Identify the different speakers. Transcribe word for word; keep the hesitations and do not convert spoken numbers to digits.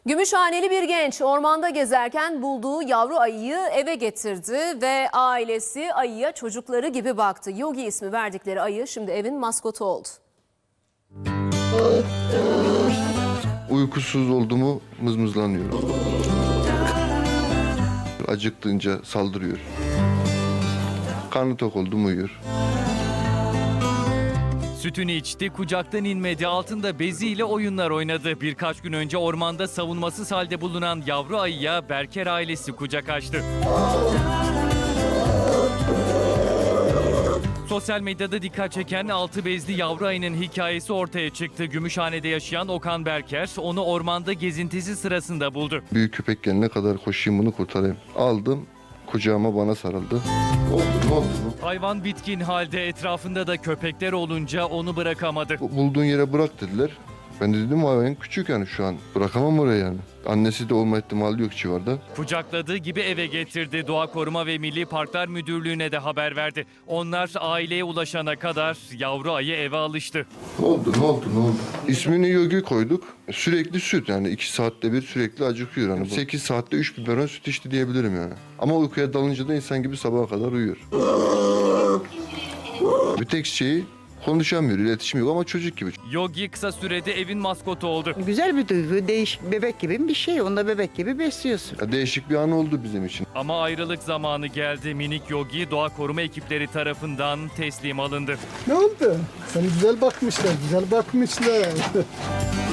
Speaker 1: Gümüşhaneli bir genç ormanda gezerken bulduğu yavru ayıyı eve getirdi ve ailesi ayıya çocukları gibi baktı. Yogi ismi verdikleri ayı şimdi evin maskotu oldu.
Speaker 2: Uykusuz oldu mu mızmızlanıyor. Acıktığınca saldırıyor. Karnı tok oldu mu uyuyor.
Speaker 3: Sütünü içti, kucaktan inmedi, altında beziyle oyunlar oynadı. Birkaç gün önce ormanda savunmasız halde bulunan yavru ayıya Berker ailesi kucak açtı. Sosyal medyada dikkat çeken altı bezli yavru ayının hikayesi ortaya çıktı. Gümüşhane'de yaşayan Okan Berker onu ormanda gezintisi sırasında buldu.
Speaker 2: Büyük köpek gelene kadar koşayım bunu kurtarayım. Aldım, kucağıma bana sarıldı. Ne oldu, ne oldu?
Speaker 3: Hayvan bitkin halde, etrafında da köpekler olunca onu bırakamadı.
Speaker 2: Bulduğun yere bırak dediler. Ben de dedim hayvan küçük yani şu an. Bırakamam oraya yani. Annesi de olma ihtimali yok civarda.
Speaker 3: Kucakladığı gibi eve getirdi. Doğa Koruma ve Milli Parklar Müdürlüğü'ne de haber verdi. Onlar aileye ulaşana kadar yavru ayı eve alıştı.
Speaker 2: Ne oldu, ne oldu, ne oldu? İsmini Yogi koyduk. Sürekli süt yani iki saatte bir sürekli acıkıyor. Yani sekiz saatte üç biberon süt içti diyebilirim yani. Ama uykuya dalınca da insan gibi sabaha kadar uyuyor. Bir tek şeyi konuşamıyor, iletişim yok ama çocuk gibi.
Speaker 3: Yogi kısa sürede evin maskotu oldu.
Speaker 4: Güzel bir duygu, değişik bebek gibi bir şey. Onu da bebek gibi besliyorsun.
Speaker 2: Ya değişik bir an oldu bizim için.
Speaker 3: Ama ayrılık zamanı geldi. Minik Yogi doğa koruma ekipleri tarafından teslim alındı.
Speaker 5: Ne oldu? Sana güzel bakmışlar, güzel bakmışlar.